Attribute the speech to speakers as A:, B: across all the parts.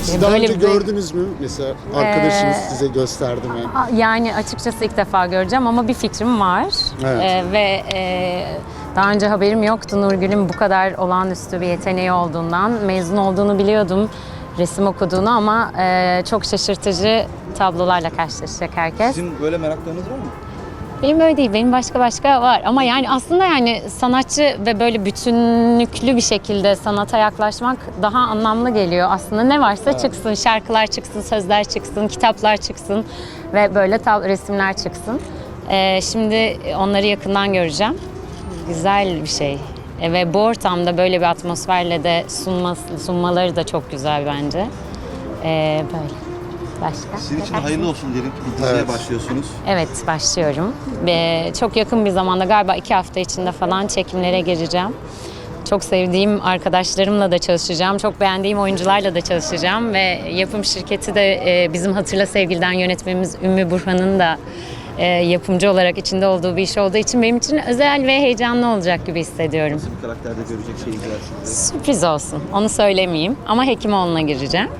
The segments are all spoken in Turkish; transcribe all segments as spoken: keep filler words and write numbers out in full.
A: Siz daha
B: Böyle
A: önce
B: bir-
A: gördünüz mü? Mesela arkadaşınız
B: Ee,
A: size gösterdi mi?
B: Yani açıkçası ilk defa göreceğim ama bir fikrim var.
A: Evet.
B: Ee, ve e, daha önce haberim yoktu Nurgül'ün bu kadar olağanüstü bir yeteneği olduğundan. Mezun olduğunu biliyordum, resim okuduğunu ama e, çok şaşırtıcı tablolarla karşılaşacak herkes.
C: Sizin böyle meraklarınız var mı?
B: Benim öyle değil, benim başka başka var. Ama yani aslında yani sanatçı ve böyle bütünlüklü bir şekilde sanata yaklaşmak daha anlamlı geliyor. Aslında ne varsa çıksın, şarkılar çıksın, sözler çıksın, kitaplar çıksın ve böyle tab- resimler çıksın. Ee, şimdi onları yakından göreceğim. Güzel bir şey. E, ve bu ortamda böyle bir atmosferle de sunması, sunmaları da çok güzel bence. Ee, böyle. Başka?
C: Sizin için hayırlı olsun diyelim. Bir diziye
A: Evet.
C: başlıyorsunuz.
B: Evet, başlıyorum. Ve çok yakın bir zamanda, galiba iki hafta içinde falan çekimlere gireceğim. Çok sevdiğim arkadaşlarımla da çalışacağım. Çok beğendiğim oyuncularla da çalışacağım. Ve yapım şirketi de e, bizim Hatırla Sevgili'den yönetmenimiz Ümmü Burhan'ın da e, yapımcı olarak içinde olduğu bir iş olduğu için benim için özel ve heyecanlı olacak gibi hissediyorum.
C: Nasıl bir karakterde görecek seyirciler sizi?
B: Sürpriz olsun, onu söylemeyeyim ama Hekimoğlu'na gireceğim.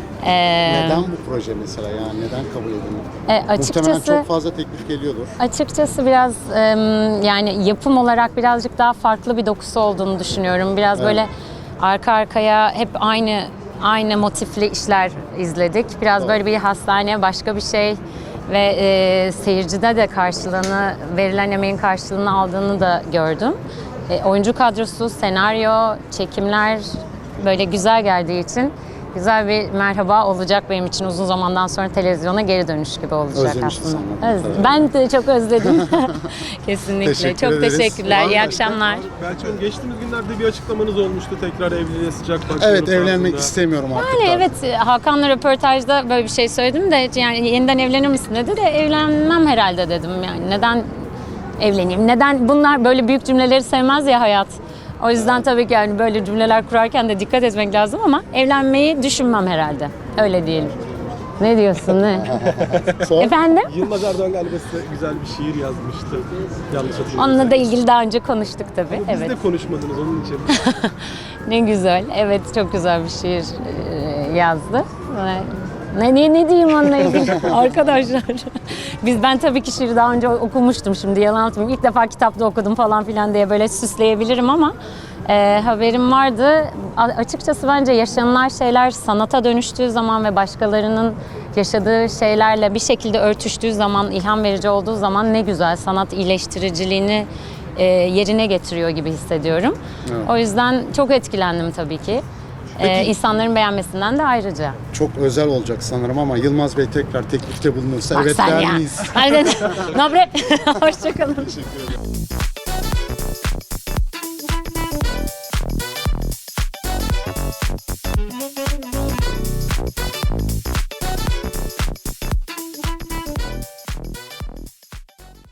B: Ee,
A: Neden bu proje mesela, yani neden kabul edildi?
B: E,
A: Muhtemelen
B: açıkçası
A: çok fazla teklif geliyordur.
B: Açıkçası biraz em, yani yapım olarak birazcık daha farklı bir dokusu olduğunu düşünüyorum. Biraz
A: Evet.
B: böyle arka arkaya hep aynı aynı motifli işler izledik. Biraz böyle bir hastane, başka bir şey ve e, seyircide de karşılığını, verilen emeğin karşılığını aldığını da gördüm. E, oyuncu kadrosu, senaryo, çekimler böyle güzel geldiği için güzel bir merhaba olacak benim için, uzun zamandan sonra televizyona geri dönüş gibi olacak
A: Özlemişiz
B: aslında.
A: anladım.
B: Öz- Ben de çok özledim. Kesinlikle.
A: Teşekkür
B: çok
A: ederiz.
B: teşekkürler.
A: Var
B: İyi
A: mı
B: akşamlar.
D: Belki Hanım, geçtiğimiz günlerde bir açıklamanız olmuştu. Tekrar evliliğe sıcak bakıyorum.
A: Evet, evlenmek
D: tarzında.
A: istemiyorum artık.
B: Yani
A: da.
B: evet, Hakan'la röportajda böyle bir şey söyledim de yani yeniden evlenir misin dedi de evlenmem herhalde dedim. Yani neden evleneyim? Neden? Bunlar böyle büyük cümleleri sevmez ya hayat. O yüzden tabii ki yani böyle cümleler kurarken de dikkat etmek lazım ama evlenmeyi düşünmem herhalde. Öyle diyelim. Ne diyorsun ne?
A: Son-
B: Efendim?
D: Yılmaz Erdoğan galiba size güzel bir şiir yazmıştı. Yanlış hatırlamıyorsam.
B: Onunla da ilgili daha önce konuştuk tabii.
D: Ama Biz
B: Evet.
D: de konuşmadınız onun için.
B: Ne güzel. Evet, çok güzel bir şiir e, yazdı. Ve Ne, ne, ne diyeyim onunla ilgili arkadaşlar. Biz ben tabii ki şiiri daha önce okumuştum, şimdi yalan atmayayım. İlk defa kitapta okudum falan filan diye böyle süsleyebilirim ama e, haberim vardı. A- açıkçası bence yaşanılan şeyler sanata dönüştüğü zaman ve başkalarının yaşadığı şeylerle bir şekilde örtüştüğü zaman, ilham verici olduğu zaman ne güzel, sanat iyileştiriciliğini e, yerine getiriyor gibi hissediyorum.
A: Evet.
B: O yüzden çok etkilendim tabii ki. Ee, insanların beğenmesinden de ayrıca.
A: Çok özel olacak sanırım ama Yılmaz Bey tekrar teklifte bulunursa
B: Bak
A: evet
B: sen
A: der
B: ya.
A: miyiz?
B: Hadi, Nobre. Hoşçakalın.
A: Teşekkür ederim.